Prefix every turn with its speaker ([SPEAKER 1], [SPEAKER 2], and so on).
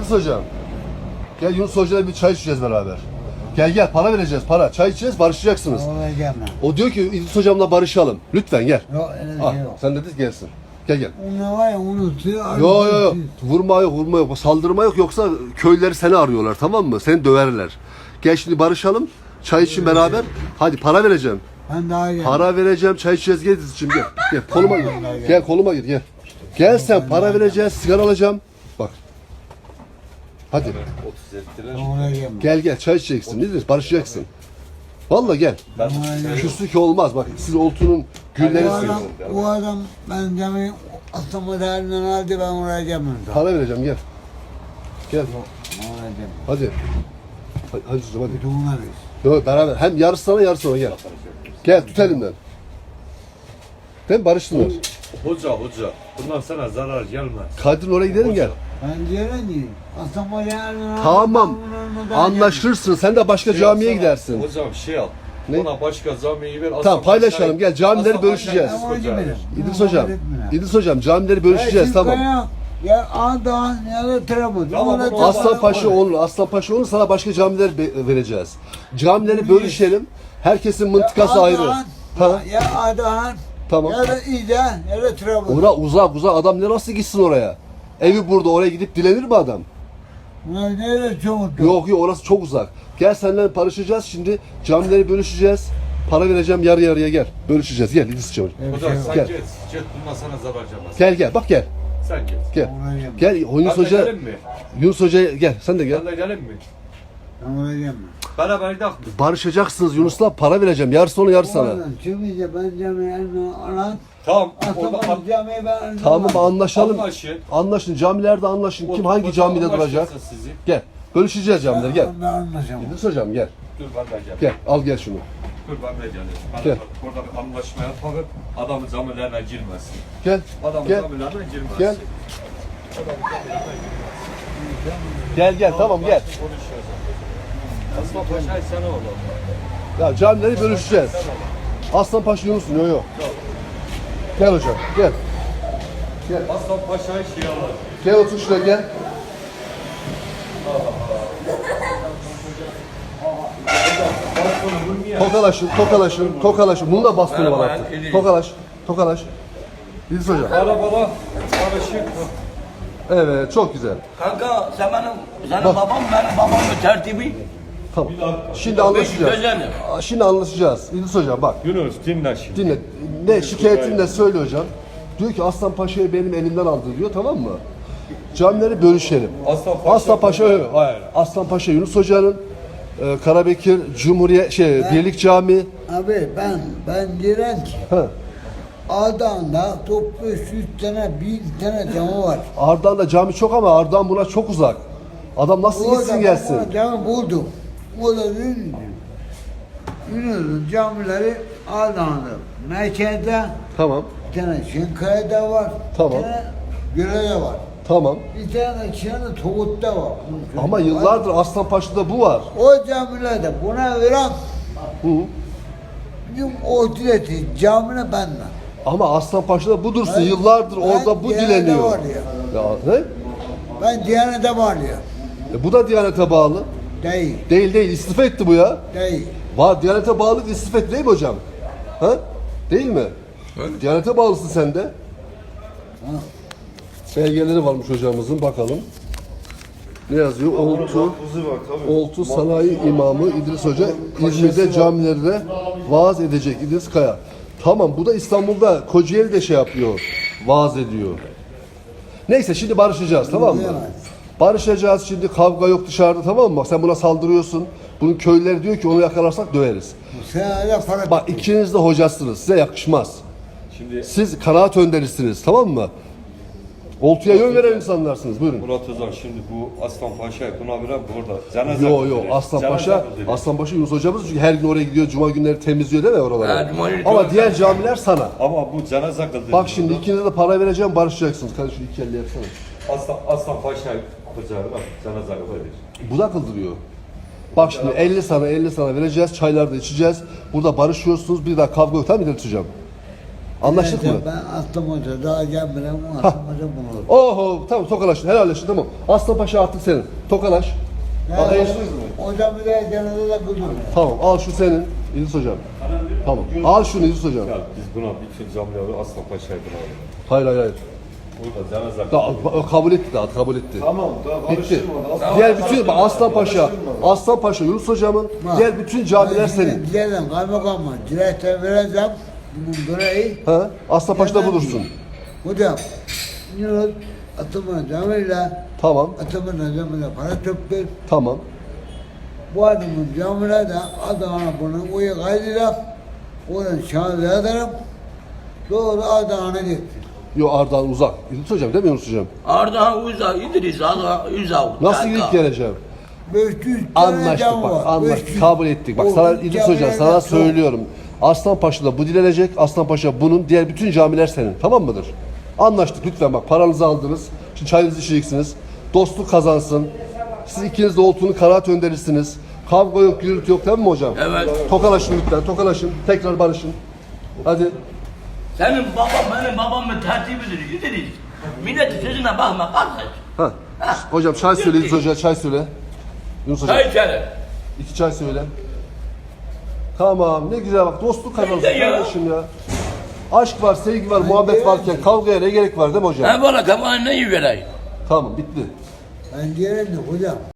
[SPEAKER 1] İdris hocam. Gel Yunus hocayla bir çay içeceğiz beraber. Gel para vereceğiz para. Çay içeceğiz barışacaksınız. O diyor ki İdris hocamla barışalım. Lütfen gel.
[SPEAKER 2] Yok öyle
[SPEAKER 1] Ah,
[SPEAKER 2] şey yok.
[SPEAKER 1] sen dedin gelsin. Gel.
[SPEAKER 2] Onu var ya unutuyor.
[SPEAKER 1] Yok. Vurma yok. Saldırma yok. Yoksa köyleri seni arıyorlar, tamam mı? Seni döverler. Gel şimdi barışalım. Çay için beraber. Hadi para vereceğim.
[SPEAKER 2] Ben daha geldim.
[SPEAKER 1] Para vereceğim. Çay içeceğiz. Gel şimdi gel. Gel koluma gir. Gel koluma gir gel. Gel sen para vereceğiz. Sigara alacağım. Bak. Hadi.
[SPEAKER 2] Ona gelme.
[SPEAKER 1] Gel çay içeceksin. Nedir? Barışacaksın. Vallahi gel. Küslük olmaz. Bak siz Oltu'nun gülleri
[SPEAKER 2] Bu adam ben cami aslında değerinden aldı ben oraya gelmem.
[SPEAKER 1] para vereceğim gel. Gel.
[SPEAKER 2] Oraya gelmem.
[SPEAKER 1] Hadi. Hadi çocuğum hadi.
[SPEAKER 2] Bütününe biz.
[SPEAKER 1] Yok beraber. Hem yarısı sana yarısı ona gel. Gel tut elimden. Değil mi? Barıştılar.
[SPEAKER 3] Hoca. Bundan sana zarar gelmez.
[SPEAKER 1] Kadir'in oraya gidelim gel.
[SPEAKER 2] Ben diyorum ki aslında değerinden aldı.
[SPEAKER 1] Tamam. Anlaşırsın. Sen de başka camiye gidersin.
[SPEAKER 3] Hocam şey al.
[SPEAKER 1] Ne?
[SPEAKER 3] Ona başka camiyi ver.
[SPEAKER 1] Tamam paylaşalım. Gel camileri bölüşeceğiz. İdris hocam camileri bölüşeceğiz tamam.
[SPEAKER 2] Ya Ağdağ ya da Trabzon.
[SPEAKER 3] Tamam,
[SPEAKER 1] Aslanpaşa olur sana başka camiler vereceğiz. Camileri bölüşelim. Herkesin mıntıkası ayrı. Ha?
[SPEAKER 2] Ya Ağdağ
[SPEAKER 1] Tamam.
[SPEAKER 2] ya da İde ya da Trabzon.
[SPEAKER 1] Uzak adam ne nasıl gitsin oraya? Evi burada oraya gidip dilenir mi adam?
[SPEAKER 2] Nerede çok
[SPEAKER 1] Yok orası çok uzak. Gel seninle barışacağız şimdi camileri bölüşeceğiz. Para vereceğim yarı yarıya gel. Bölüşeceğiz gel İdris'ciğim.
[SPEAKER 3] Hocam sen
[SPEAKER 1] Gel.
[SPEAKER 3] git. Bundan sana zarar gelmez.
[SPEAKER 1] Gel bak gel.
[SPEAKER 3] Sen git.
[SPEAKER 1] Gel Yunus
[SPEAKER 3] Ben de
[SPEAKER 1] Hoca.
[SPEAKER 3] gelin mi?
[SPEAKER 1] Yunus Hoca gel sen de gel.
[SPEAKER 3] Ben de gelin mi?
[SPEAKER 2] Oraya gelme.
[SPEAKER 3] Beraber gidelim.
[SPEAKER 1] Barışacaksınız Yunus'la para vereceğim. Yarısı ona yarısı sana.
[SPEAKER 2] Çıkınca ben camiye alan.
[SPEAKER 3] Tamam.
[SPEAKER 2] Aslında camiye ben
[SPEAKER 1] Tamam anlaşalım.
[SPEAKER 3] Anlaşın.
[SPEAKER 1] Anlaşın camilerde anlaşın. Kim hangi camide duracak?
[SPEAKER 3] Sizi.
[SPEAKER 1] Gel. Bölüşeceğiz camileri gel.
[SPEAKER 2] Ben anlaşamam.
[SPEAKER 1] İdris Hocam gel.
[SPEAKER 3] Dur ben de geleyim.
[SPEAKER 1] Gel al gel şunu.
[SPEAKER 3] Dur ben de geleyim.
[SPEAKER 1] Gel.
[SPEAKER 3] Burada bir anlaşma yapalım. Adamın camilerine girmesin.
[SPEAKER 1] Gel.
[SPEAKER 3] Adamın
[SPEAKER 1] Gel.
[SPEAKER 3] camilerine girmesin.
[SPEAKER 1] Gel. Gel tamam gel.
[SPEAKER 3] Asma Paşa'yı sana oğlum.
[SPEAKER 1] Ya camileri bölüşeceğiz. Aslanpaşa Yunus'un yok. Gel hocam gel.
[SPEAKER 3] Aslan Paşa'yı şey alır.
[SPEAKER 1] Gel otur şuraya gel. Tokalaşın. Bunun da bastonu var artık. Tokalaş. İdris hocam.
[SPEAKER 3] Arabada karışık.
[SPEAKER 1] Evet çok güzel.
[SPEAKER 4] Kanka senin babamın tertibi.
[SPEAKER 1] Tamam. Şimdi anlaşacağız.
[SPEAKER 4] Güzel.
[SPEAKER 1] Şimdi anlaşacağız. İdris hocam bak.
[SPEAKER 3] Yunus dinle şimdi.
[SPEAKER 1] Dinle. Ne şikayetin ne söyle hocam. Diyor ki Aslan Paşa'yı benim elimden aldı diyor tamam mı? Camileri bölüşelim. Aslan Paşa hayır. Aslan Paşa Yunus Hoca'nın Karabekir Cumhuriyet Birlik Camii.
[SPEAKER 2] Abi ben diren ki
[SPEAKER 1] Ha.
[SPEAKER 2] Ağdağ'da toplu 300 tane 1000 tane cami var.
[SPEAKER 1] Ardahan'da cami çok ama Ardahan buna çok uzak. Adam nasıl gitsin gelsin?
[SPEAKER 2] Ben cami buldum. O da dedi ki, Yunus'un camileri Ağdağ'da. Merkezde
[SPEAKER 1] Tamam.
[SPEAKER 2] bir tane Şinkaya'da var.
[SPEAKER 1] Tamam.
[SPEAKER 2] Bir tane Göre'de var.
[SPEAKER 1] Tamam.
[SPEAKER 2] Bir tane de Toğut'ta var.
[SPEAKER 1] Ama yıllardır Aslan Paşa'da bu var.
[SPEAKER 2] O camilerde buna veren
[SPEAKER 1] Hı.
[SPEAKER 2] bizim o dileti camine benden.
[SPEAKER 1] Ama Aslan Paşa'da bu dursun.
[SPEAKER 2] Ben-
[SPEAKER 1] Yıllardır
[SPEAKER 2] ben
[SPEAKER 1] orada bu
[SPEAKER 2] Diyanet'te
[SPEAKER 1] dileniyor.
[SPEAKER 2] var ya.
[SPEAKER 1] Ya ne?
[SPEAKER 2] Ben Diyanet'e var ya.
[SPEAKER 1] Bu da Diyanet'e bağlı.
[SPEAKER 2] Değil.
[SPEAKER 1] Değil. İstifa etti bu ya.
[SPEAKER 2] Değil.
[SPEAKER 1] Var Diyanet'e bağlı istifa etti değil mi hocam? Ha? Değil mi? Diyanet'e bağlısın sen de. Belgeleri varmış hocamızın bakalım. Ne yazıyor? Oltu Sanayi İmamı İdris Hoca İzmir'de camilerde vaaz edecek İdris Kaya. Tamam bu da İstanbul'da Kocaeli'de şey yapıyor. Vaaz ediyor. Neyse şimdi barışacağız tamam mı? Barışacağız şimdi kavga yok dışarıda tamam mı? Bak sen buna saldırıyorsun. Bunun köylüleri diyor ki onu yakalarsak döveriz.
[SPEAKER 2] Sen hala para
[SPEAKER 1] Bak ikiniz de hocasınız. Size yakışmaz.
[SPEAKER 3] Şimdi
[SPEAKER 1] Siz kanaat önderisiniz tamam mı? Oltuya yön veren insanlarsınız. Buyurun.
[SPEAKER 3] Murat Özal şimdi bu Aslan Paşa'yı buna veren burada cenaze
[SPEAKER 1] Yo
[SPEAKER 3] kıldırıyor.
[SPEAKER 1] Aslan
[SPEAKER 3] Cenaze
[SPEAKER 1] Paşa,
[SPEAKER 3] kıldırıyor.
[SPEAKER 1] Aslan Paşa Yunus hocamız çünkü her gün oraya gidiyor, cuma günleri temizliyor değil mi oraları?
[SPEAKER 4] Ha, cuma günü
[SPEAKER 1] Ama
[SPEAKER 4] temizliyor.
[SPEAKER 1] diğer camiler sana.
[SPEAKER 3] Ama bu cenaze kıldırıyor.
[SPEAKER 1] Bak şimdi ikinize de para vereceğim, barışacaksınız. Kardeş şu iki elle yapsana.
[SPEAKER 3] Aslan Paşa'yı kucağı bak cenaze kıldırıyor.
[SPEAKER 1] Bu da kıldırıyor. Bak şimdi 50 sana vereceğiz, çaylar da içeceğiz. Burada barışıyorsunuz, bir daha kavga yok tamam mı İdris hocam? Anlaştık mı?
[SPEAKER 2] Ben Aslan Hoca daha gelmeden Aslan Hoca bulur.
[SPEAKER 1] Oho tamam tokalaşın helalleşin tamam. Aslan Paşa artık senin. Tokalaş. Al,
[SPEAKER 2] Yani, hocam bir de yanında da kızım.
[SPEAKER 1] Tamam al şu senin İdris hocam. Tamam al şunu İdris hocam.
[SPEAKER 3] Ya biz buna bütün camileri Aslan Paşa'yı buna alalım.
[SPEAKER 1] Hayır.
[SPEAKER 3] Burada cenaze
[SPEAKER 1] Kabul etti daha kabul etti.
[SPEAKER 5] Tamam, daha
[SPEAKER 1] Bitti.
[SPEAKER 5] karıştırma.
[SPEAKER 1] Diğer bütün Aslan Paşa, Aslan Paşa Yunus hocamın diğer bütün camiler senin.
[SPEAKER 2] Gidelim kaymakamı. Direkte vereceğim. Bunun burayı.
[SPEAKER 1] Ha? Aslan Paşa'da bulursun.
[SPEAKER 2] Hocam. Yunus Atımın camiyle
[SPEAKER 1] Tamam.
[SPEAKER 2] Atımın camiyle para toplar.
[SPEAKER 1] Tamam.
[SPEAKER 2] Bu adamın camine de Adana'na bunu uyu kaydıyla onun şahı ederim. Doğru Adana'na gitti.
[SPEAKER 1] Yo Ardahan uzak. İdris hocam değil mi Yunus hocam?
[SPEAKER 4] Ardahan Uza, İdris, Ardahan Uza.
[SPEAKER 1] Nasıl gidip geleceğim?
[SPEAKER 2] 500 tane
[SPEAKER 1] Anlaştık
[SPEAKER 2] cam
[SPEAKER 1] bak,
[SPEAKER 2] var.
[SPEAKER 1] anlaştık,
[SPEAKER 2] 500.
[SPEAKER 1] kabul ettik. Bak
[SPEAKER 2] O
[SPEAKER 1] sana
[SPEAKER 2] bütün
[SPEAKER 1] İdris hocam
[SPEAKER 2] camiler
[SPEAKER 1] sana
[SPEAKER 2] de
[SPEAKER 1] söylüyorum. Aslan Paşa'da bu dilenecek, Aslan Paşa bunun, diğer bütün camiler senin. Tamam mıdır? Anlaştık lütfen bak paranızı aldınız. Şimdi çayınızı içeceksiniz. Dostluk kazansın. Siz ikiniz de olduğunu kanaat önderirsiniz. Kavga yok, gürültü yok değil mi hocam?
[SPEAKER 4] Evet.
[SPEAKER 1] Tokalaşın lütfen, tokalaşın. Tekrar barışın. Hadi.
[SPEAKER 4] Senin babam benim babamın tertibidir İdris. Milletin sözüne bakma kardeş.
[SPEAKER 1] Ha. Hocam çay söyle İdris Hoca, çay söyle. Yunus hocam.
[SPEAKER 4] Çay içelim.
[SPEAKER 1] 2 çay söyle. Tamam ne güzel bak dostluk kazansın
[SPEAKER 4] Ne ya?
[SPEAKER 1] kardeşim ya. Aşk var, sevgi var, muhabbet varken kavgaya ne gerek var değil mi hocam?
[SPEAKER 4] Ben bana kafanı ne vereyim?
[SPEAKER 1] Tamam bitti.
[SPEAKER 2] Ben diyelim de hocam.